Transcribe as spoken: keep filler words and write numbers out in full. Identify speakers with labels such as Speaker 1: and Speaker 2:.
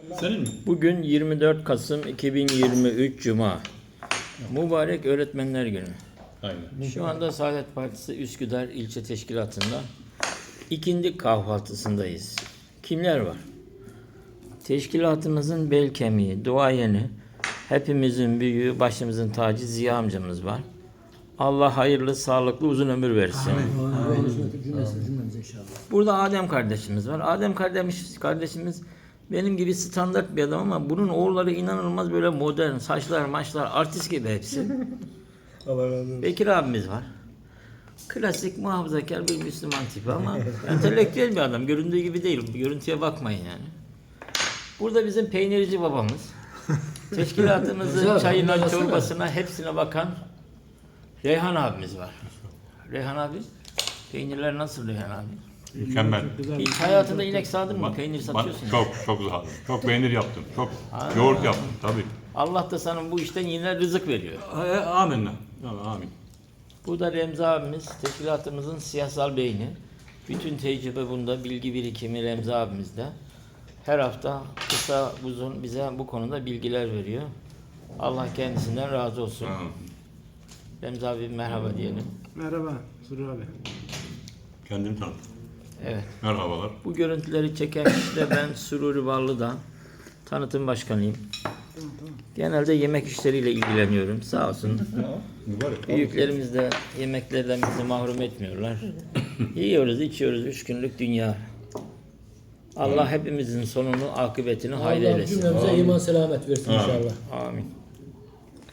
Speaker 1: Senin mi?
Speaker 2: Bugün yirmi dört Kasım iki bin yirmi üç Cuma. Mübarek Öğretmenler Günü.
Speaker 1: Aynen.
Speaker 2: Şu anda Saadet Partisi Üsküdar İlçe Teşkilatı'nda ikindi kahvaltısındayız. Kimler var? Teşkilatımızın bel kemiği, duayeni, hepimizin büyüğü, başımızın tacı Ziya amcamız var. Allah hayırlı, sağlıklı, uzun ömür versin. Burada Adem kardeşimiz var. Adem kardeş, kardeşimiz benim gibi standart bir adam ama bunun oğulları inanılmaz böyle modern, saçlar, maçlar, artist gibi hepsi.
Speaker 3: Allah razı olsun.
Speaker 2: Bekir abimiz var. Klasik muhafazakar bir Müslüman tipi ama entelektüel bir adam. Göründüğü gibi değil. Görüntüye bakmayın yani. Burada bizim peynirci babamız. Teşkilatımızın çayına, çorbasına, hepsine bakan Reyhan abimiz var. Reyhan abi, peynirler nasıl Reyhan abi?
Speaker 1: Mükemmel.
Speaker 2: Hiç hayatında inek sağdın mı?
Speaker 1: Bak-
Speaker 2: Peynir
Speaker 1: bak,
Speaker 2: satıyorsun. ya.
Speaker 1: Çok çok sağ Çok peynir yaptım. Çok yoğurt yaptım tabii.
Speaker 2: Allah da sana bu işten yine rızık veriyor.
Speaker 1: E, Amin. Amin.
Speaker 2: Burada Remzi abimiz, teşkilatımızın siyasal beyni. Bütün tecrübe bunda, bilgi birikimi Remzi abimizde. Her hafta kısa uzun bize bu konuda bilgiler veriyor. Allah kendisinden razı olsun.
Speaker 1: Ha.
Speaker 2: Remzi abi merhaba diyelim.
Speaker 3: Merhaba Suru abi.
Speaker 1: Kendini tanıt.
Speaker 2: Evet.
Speaker 1: Merhabalar.
Speaker 2: Bu görüntüleri çeken kişi de ben Sururi Ballı'da tanıtım başkanıyım. Genelde yemek işleriyle ilgileniyorum. Sağ olsun.
Speaker 1: Mübarek.
Speaker 2: Büyüklerimiz de yemeklerden bizi mahrum etmiyorlar. Yiyoruz, içiyoruz. Üç günlük dünya. Allah hepimizin sonunu, akıbetini hayır
Speaker 4: Allah
Speaker 2: eylesin.
Speaker 4: cümlemize iman selamet versin inşallah.
Speaker 2: Amin.